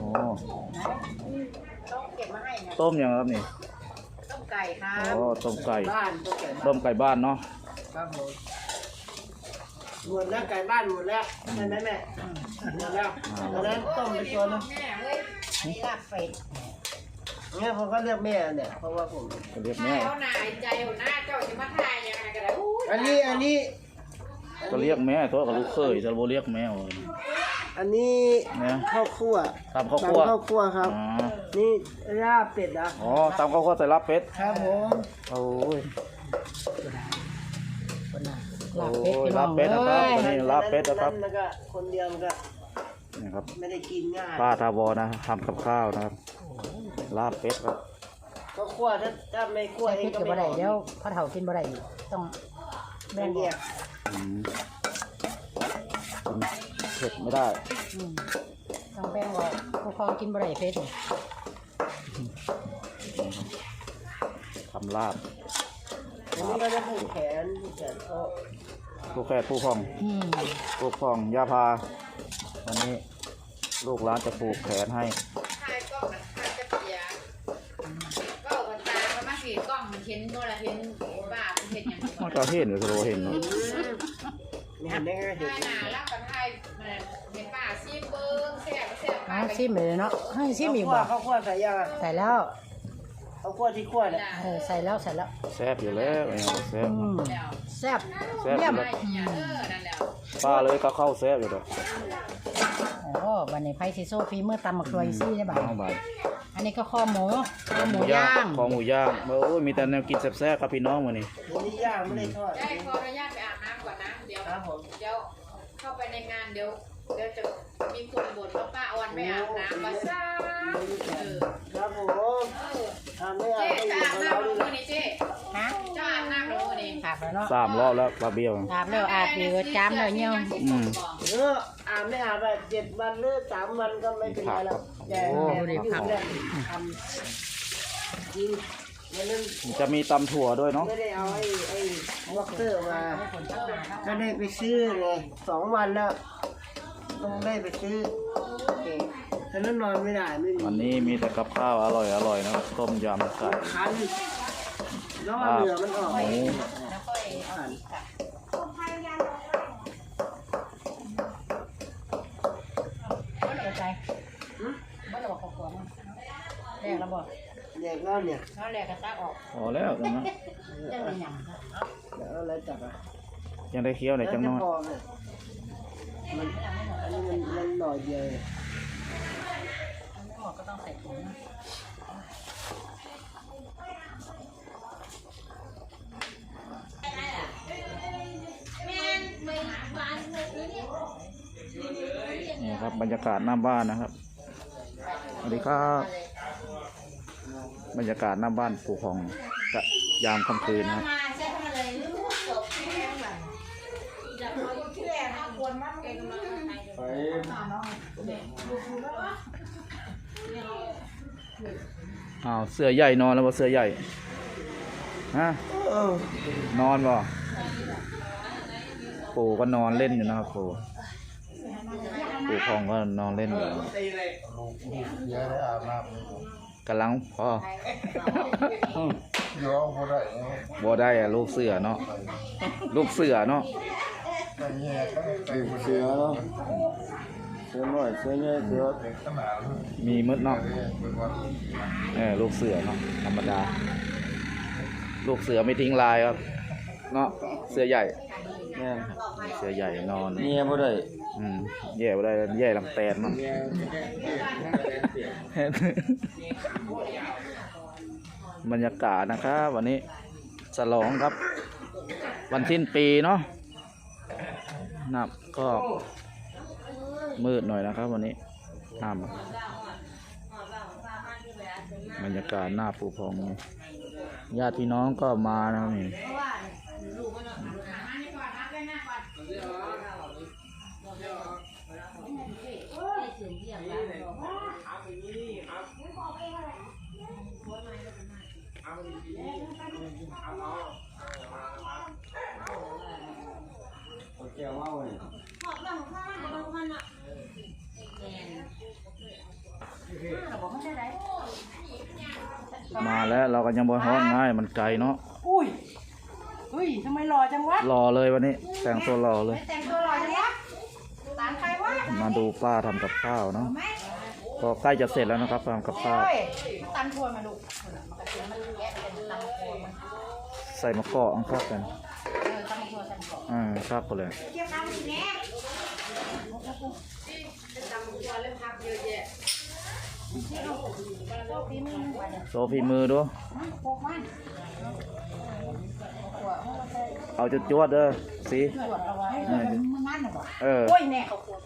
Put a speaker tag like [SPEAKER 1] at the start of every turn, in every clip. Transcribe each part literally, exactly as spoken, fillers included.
[SPEAKER 1] ต้องเก็บมาให้นะ
[SPEAKER 2] ต้มยังครับนี่
[SPEAKER 1] ต้มไก่ครับ
[SPEAKER 2] อ๋อต้มไก่
[SPEAKER 1] บ้าน
[SPEAKER 2] ต้มไก่บ้านเนาะ
[SPEAKER 1] ครับผมหมดแล้วไก่บ้านหมดแล้วใช่ไหมแม่หมดแล้วตอนนั้นต้มไปตัวนึงนี่ลาบเป็ดเนี่ยผมก็เรียกแม่เนี่ยเพราะว่าผม
[SPEAKER 2] เรียกแม่
[SPEAKER 3] เขาหนาใจหัวหน้าเจ้าจะมาทายยังไงกันแล้ว
[SPEAKER 1] อันนี้อันนี้
[SPEAKER 2] ก็เรียกแม่ตัวกับลูกเคยจะโบเรียกแม่
[SPEAKER 1] อันนี้ข้าวคั่ว
[SPEAKER 2] ตำข้าวคั่ว
[SPEAKER 1] ข้าวคั่วครับนี่ลาบเป็ดนะ
[SPEAKER 2] อ๋อตำข้าวคั่วใส่ลาบเป็ด
[SPEAKER 1] ครับผม
[SPEAKER 2] โอ้ย
[SPEAKER 1] ลาบเป็ด
[SPEAKER 2] ลาบเป็ดนะครับตอนนี้ลาบเป็ดนะครับ
[SPEAKER 1] แล้วก็คนเดียวมันก็
[SPEAKER 2] นี่ครับ
[SPEAKER 1] ไม่ได้กินง่าย
[SPEAKER 2] ป้าทาวอนะทำกับข้าวนะครับลาบเป็ดครับ
[SPEAKER 1] ก็คั่วถ้าถ้าไม่คั่วเองก็ไม่ได้เดี๋ยวพ่อเฒ่ากินบ่ได้ต้องแบ่งแยก
[SPEAKER 2] เผ็ดไม่ได้
[SPEAKER 1] ต้องแบ่งว่าผู้ครองกินบ่ได้เผ็ด
[SPEAKER 2] ทำลาบ
[SPEAKER 1] อันนี้ก็จะผูกแขนผูกแขนเขา
[SPEAKER 2] ผูกแขนผูกคองผูกคองยาพาวันนี้ลูกร้านจะผูกแขนให้
[SPEAKER 3] ทายกล้องมันทายจะเปียก็เอาตาเขามาสีกล้องมันเห็นโน่นละเห็นบ้ามันเห็นอย่างนี้
[SPEAKER 2] มันก็เห็นหรือโรเห็นเนาะ
[SPEAKER 1] เห็นได้ไง
[SPEAKER 3] เห็นหน้าแล้วก็ทายมันเห็นป้าซีเบิ้งแซ่บแซ่บป้า
[SPEAKER 1] ซีมเลยเนาะให้ซีมอีกบ่ข้าวคั่วใส่ยังใส่แล้วข้าวคั่วที่คั่วเนี่ยเออใส่แล้วใส่แล้ว
[SPEAKER 2] แซ่บอยู่แล้วแซ่บ
[SPEAKER 1] แซ่บ
[SPEAKER 2] แซ่บอยู่แล้วป้าเลยก็เข้าแซ่บอยู่แล้ว
[SPEAKER 1] โอ้บันนี้ไผ่ซีโซ่ฟีเมื่อตำมะกรวยซี่ได้บ่าอันนี้ก็ข้อหมูข้อหมูย่าง
[SPEAKER 2] ข้อหมูย่างโอ้ยมีแต่แนวกินแซ่บๆครับพี่น้องวันนี้
[SPEAKER 1] วันนี้ย่างไม่ได้ทอด
[SPEAKER 3] ได้ขออนุญาตไปอาบน้ำก่อนนะเดี๋ยวเดี๋ยวเข้าไปในงานเดี๋ยวเดี๋ยวจะมีคนบ่นว่าป้าออนไม่อาบน้ำมาซ่า
[SPEAKER 1] ครับผมทำไม่อาบ
[SPEAKER 3] จะอาบน้ำรู้นี่เจ๊ฮะจะอาบน้ำรู้นี่
[SPEAKER 1] อาบแล้วเนาะ
[SPEAKER 2] สามรอบแล้วปลาเบี้ยว
[SPEAKER 1] อาบแล้วอาบอีกจามเลยเนี่ยเอออาบไม่อาบแบบเจ็ดวันหรือสามวันก็ไม่เป็นไรแล้วแย่แย่ทำทำจริง
[SPEAKER 2] จะมีตำถั่วด้วยเนาะ
[SPEAKER 1] ไม่ได้เอาไอ้ไอ้บ็อกเซอร์มาก็ได้ไปซื้อเลยสองวันแล้วต้องได้ไปซื้อฉะนั้นนอนไม่ได้ไม่มี
[SPEAKER 2] วันนี้มีแต่กับข้าวอร่อยอร่อยนะครับต้มยำไก่
[SPEAKER 1] คันแล้วเหลือมันออก
[SPEAKER 2] หมู
[SPEAKER 1] ใจบ้านเราบอกขวบมั้งแรกเราบอกแรกแล้วเนี่ยเขาแรกกระซักออก
[SPEAKER 2] พอแล้วจังนะ
[SPEAKER 1] ยังไม่หยั่งแล้วอะไรจับอ่ะ
[SPEAKER 2] ยังได้เคี้ยวไหนจังน้อย
[SPEAKER 1] มันอันนี้มันมันหน่อยเดียวออกก็ต้องใส่ถุง
[SPEAKER 2] นี่ครับบรรยากาศหน้าบ้านนะครับสวัสดีครับบรรยากาศหน้าบ้านปู่ของกับยามค่ำคืนนะครับอ้าวเสื้อใหญ่นอนแล้วบ่เสื้อใหญ่ฮะนอนบ่ปู่ก็นอนเล่นอยู่นะครับปู่ปู่พองก็นอนเล่นอยู่กำลังพอบ่ได้อะลูกเสือเนาะลูกเสือเนาะ
[SPEAKER 1] เสือเนาะเสือน้อยเสือใหญ่เสือ
[SPEAKER 2] มีมดเนาะเออลูกเสือเนาะธรรมดาลูกเสือไม่ทิ้งลายครับเนาะเสือใหญ่เนี่ยเสือใหญ่นอน
[SPEAKER 1] เนี่ยบ่ได้
[SPEAKER 2] อืมแย่บ่ได้แย่ลำแตนมั้งบรรยากาศนะครับวันนี้ฉลองครับวันสิ้นปีเนาะนับก็มืดหน่อยนะครับวันนี้น้ำบรรยากาศหน้าปูพองญาติพี่น้องก็มานะครับนี่มาแล้วเราก็ยังบ่ฮ้อนง่ายมันไกลเนาะ
[SPEAKER 4] อุ้ยเฮ้ยทำไมหล่อจังวะ
[SPEAKER 2] รอเลยวันนี้แต่งตัวรอเลย
[SPEAKER 4] แต่งตัวหล่อจังวะตามใครวะ
[SPEAKER 2] มาดูป้าทำกับข้าวเนาะก็ใกล้จะเสร็จแล้วนะครับทำกับข้าว
[SPEAKER 4] โอ้ยตามทัวร์มาลูกมันกระเทียมมันแกะเป็นตามทัวร์มัน
[SPEAKER 2] ใส่มะกอกอังครับกัน
[SPEAKER 4] เออตามทัวร์ตามทัวร์
[SPEAKER 2] อ่าครับก็เลย
[SPEAKER 4] เทียมน้ำสิแม่
[SPEAKER 3] เป็นตำตัวเรื่องพักเยอะแยะ
[SPEAKER 4] โชคดีมึงวันเดียว
[SPEAKER 2] โซฟีมือดู
[SPEAKER 4] โคกมันตัว
[SPEAKER 2] เอาจุดจวดๆเด้อสิ
[SPEAKER 4] ตรวจเอาไว้มันมันน่ะบ่
[SPEAKER 2] เออ
[SPEAKER 4] โอ้ยแน่เขาปวด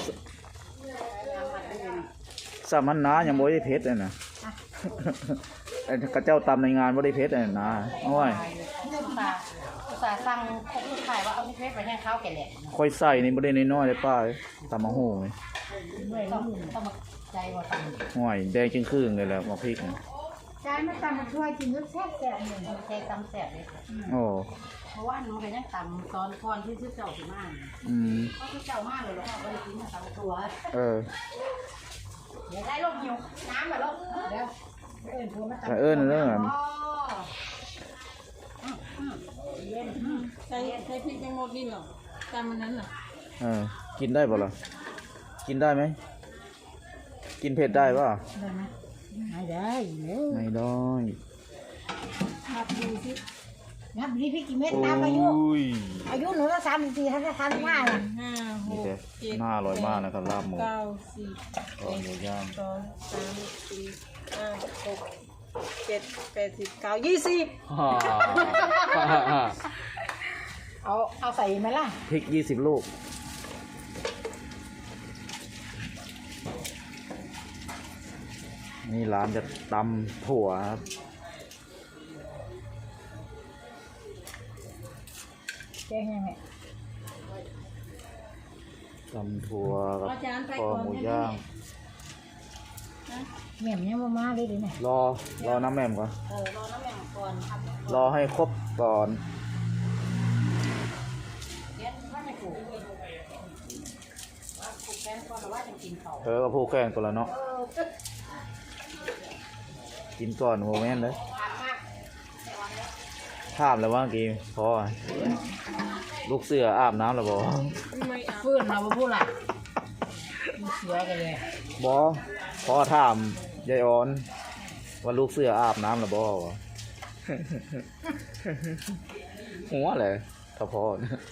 [SPEAKER 2] สามันนายังบ่ได้เพชรเลยนะไอ้กระเจ้าตำในงานบ่ได้เพชรเลยนะโอ้ย
[SPEAKER 4] นี่อุตส่าห์อุตส่าห์สั่งคบลูกชายว่าเอาเพชรไปให้เขาแก่แหละ
[SPEAKER 2] ค่อยใส่นี่บ่ได้น้อยๆเลยป้าตำมะฮู้นี่
[SPEAKER 4] ต้องต้องมาใจว่าสั่ง
[SPEAKER 2] ห่วยแดงจึงครึ่งเลยแหละมาพริกนี่
[SPEAKER 4] ใจไม่ตำมาช่วยกินรสแซ่บแซ่บหนึ่งใจตำแซ่บเลย
[SPEAKER 2] โอ้
[SPEAKER 4] เพราะว่าหนูไปนั่งตำตอนก่อนที่ชื่อเจ้าสิมา
[SPEAKER 2] อืม
[SPEAKER 4] ก็คือเจ้ามากเลยแล้วก็ไปกินตำตัว
[SPEAKER 2] เออ
[SPEAKER 4] เดี๋ยวได้ลูกหิวน้ำแบบลูกเดี๋ยวเอิญทัวมาตำ
[SPEAKER 2] แต่เอิ้นเด้อ
[SPEAKER 5] ใช้ใช้พริกแมงโมดินเหรอตามมันนั้นเหรอ
[SPEAKER 2] เออกินได้บ่ล่ะกินได้ไหมกินเผ็ดได้ป่ะ
[SPEAKER 4] ได้ไหมไม่ได้เน
[SPEAKER 2] ไม่ได้
[SPEAKER 4] นับดูสินับดีพี่กี่เม็ด
[SPEAKER 2] โอ้
[SPEAKER 4] ตามอายุ
[SPEAKER 2] ย
[SPEAKER 4] อายุหนูตั้งสามสิบสี่ท่านจะทำห้าล่ะ
[SPEAKER 5] ห้าห
[SPEAKER 2] นี่
[SPEAKER 5] ก
[SPEAKER 2] แต่
[SPEAKER 5] เจ็ด
[SPEAKER 2] น่าอร่อยมากนะครับลาบหมู
[SPEAKER 5] เก้าสิบ
[SPEAKER 2] ตอนหมูย่าง
[SPEAKER 5] สองสามสี่ห้าหกเจ็ดแปดสิบเก้ายี่สิบ
[SPEAKER 2] ฮ่า
[SPEAKER 4] เอาเอาใส่ไหมล่ะ
[SPEAKER 2] พริกยี่สิบลูกนี่ร้านจะตำถั่วครับ
[SPEAKER 4] แกงยังไง
[SPEAKER 2] ตำถั่วกับ
[SPEAKER 5] อาจารย์ไป
[SPEAKER 2] คอ
[SPEAKER 5] ก่อน
[SPEAKER 2] หมู
[SPEAKER 5] นะ
[SPEAKER 2] ย่าง
[SPEAKER 4] แม่มยังมามาเลยดิเนี่ย
[SPEAKER 2] รอรอน้ำแหม่มก่อน
[SPEAKER 4] เออรอน้ำแม่มก่อนครับ
[SPEAKER 2] รอให้ครบก่อน
[SPEAKER 4] เดี๋ยวว่าไม่ถูกว่าถูกแกงก่อนหรือว่าจะกินเขา
[SPEAKER 2] เออก็พูดแข่งกันแล้วเนาะ
[SPEAKER 4] เออ
[SPEAKER 2] กินก่อนโมเมนต์เลย
[SPEAKER 4] ผ่านมาก
[SPEAKER 2] ถามแล้วว่าเมื่อกี้พอลูกเสืออาบน้ำแล้วบอ
[SPEAKER 5] ไม่เอา
[SPEAKER 4] ฟื้นเราไปพูดล่ะมีเสือกันเลย
[SPEAKER 2] บอพอถามยายออนว่าลูกเสืออาบน้ำแล้วบอวะ หัวเลยถ้าพอ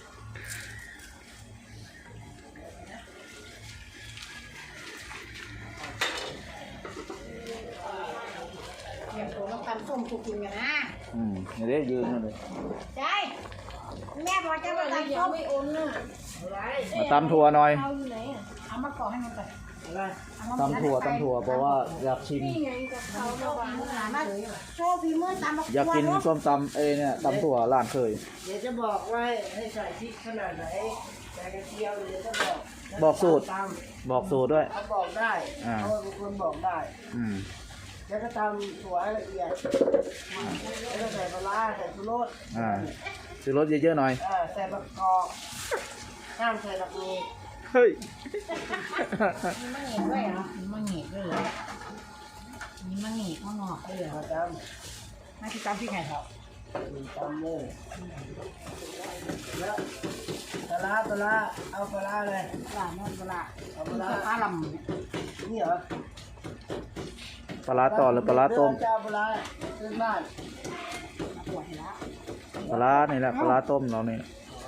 [SPEAKER 4] เตรียมตัวมาตำส้มคุกกินกันนะ
[SPEAKER 2] อืมนี่เด้ยืนนั่นเลย
[SPEAKER 4] ใช่แม่บอกจะมาตำส้มไม่โอนน่ะ
[SPEAKER 2] มาตำถั่วหน่อย
[SPEAKER 5] เอาอยู่ไหนอ่ะ
[SPEAKER 4] เอามาก่อให้มันก่อน
[SPEAKER 1] อะไร
[SPEAKER 4] เอามา
[SPEAKER 2] ตำถั่วตำถั่วเพราะว่าอยากชิม
[SPEAKER 5] นี่ไงกับเขาระวัง
[SPEAKER 4] มาโชว์ฝีมือตำมะ
[SPEAKER 2] อยากกิน
[SPEAKER 4] ลู
[SPEAKER 2] ส้มตำเอยเนี่ยตำถั่วร้านเคย
[SPEAKER 1] เดี๋ยวจะบอกว่าให้ใส่พริกขนาดไหนใส่กระเทียมเดี๋ยวจะบอก
[SPEAKER 2] บอกสูตร
[SPEAKER 1] ตาม
[SPEAKER 2] บอกสูตรด้วย
[SPEAKER 1] เขาบอกได้
[SPEAKER 2] อ่า
[SPEAKER 1] เขาเป็นคนบอกได้
[SPEAKER 2] อืม
[SPEAKER 1] แล้วก็ตำถั่วให้ละเอียดแล้วก็ใส่ปลาร้าใส่ชูรส
[SPEAKER 2] อ่าซื้อรสเยอะๆหน่อย
[SPEAKER 1] เออใส่มะกอกห้ามใส่ผักมี
[SPEAKER 2] เฮ้ย
[SPEAKER 4] มีมะเหงียด้วยเหรอมีมะเหงียด้วยเหรอมีมะเหงียมะงอกด้วยเหรอ
[SPEAKER 1] มาต
[SPEAKER 4] มาที่ตำพี่ไข่เถอะ
[SPEAKER 1] ำตำเลยแล้วปลาร้าปลาร้าเอาปลาร้าเลย
[SPEAKER 4] ปลาโน่นปลา
[SPEAKER 1] เอาปลาร้า
[SPEAKER 4] ปลาล
[SPEAKER 1] นี่เหรอ
[SPEAKER 2] ปลาร้าต่อหรือปลาร้าต้ม
[SPEAKER 1] เจ้าปลาร้าขึ้นบ้าน
[SPEAKER 4] ำปวดแล้ว
[SPEAKER 2] ปลาร้านี่แหละปลาร้าต้มเราเนี่ย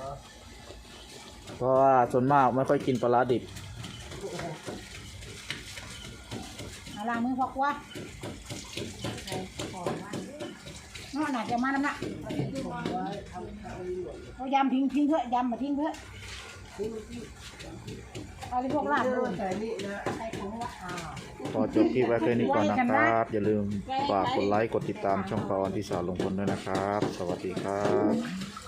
[SPEAKER 2] เพราะว่าส่วนมากไม่ค่อยกินปลาร้าดิบ
[SPEAKER 4] เอาล้างมือพอกว่าน้องหนักจะมาน้ำหนักเอายำทิ้งทิ้งเถอะยำมาทิ้งเถอะเอาไปพวกลาบด้วย
[SPEAKER 1] ใส่นี่นะ
[SPEAKER 4] ใส่ถุงละอ่า
[SPEAKER 2] พอจบคลิปไว้แค่นี้ก่อนนะครับ อย่าลืมฝากกดไลค์กดติดตามช่องปาออนที่สาวลงพลด้วยนะครับ สวัสดีครับ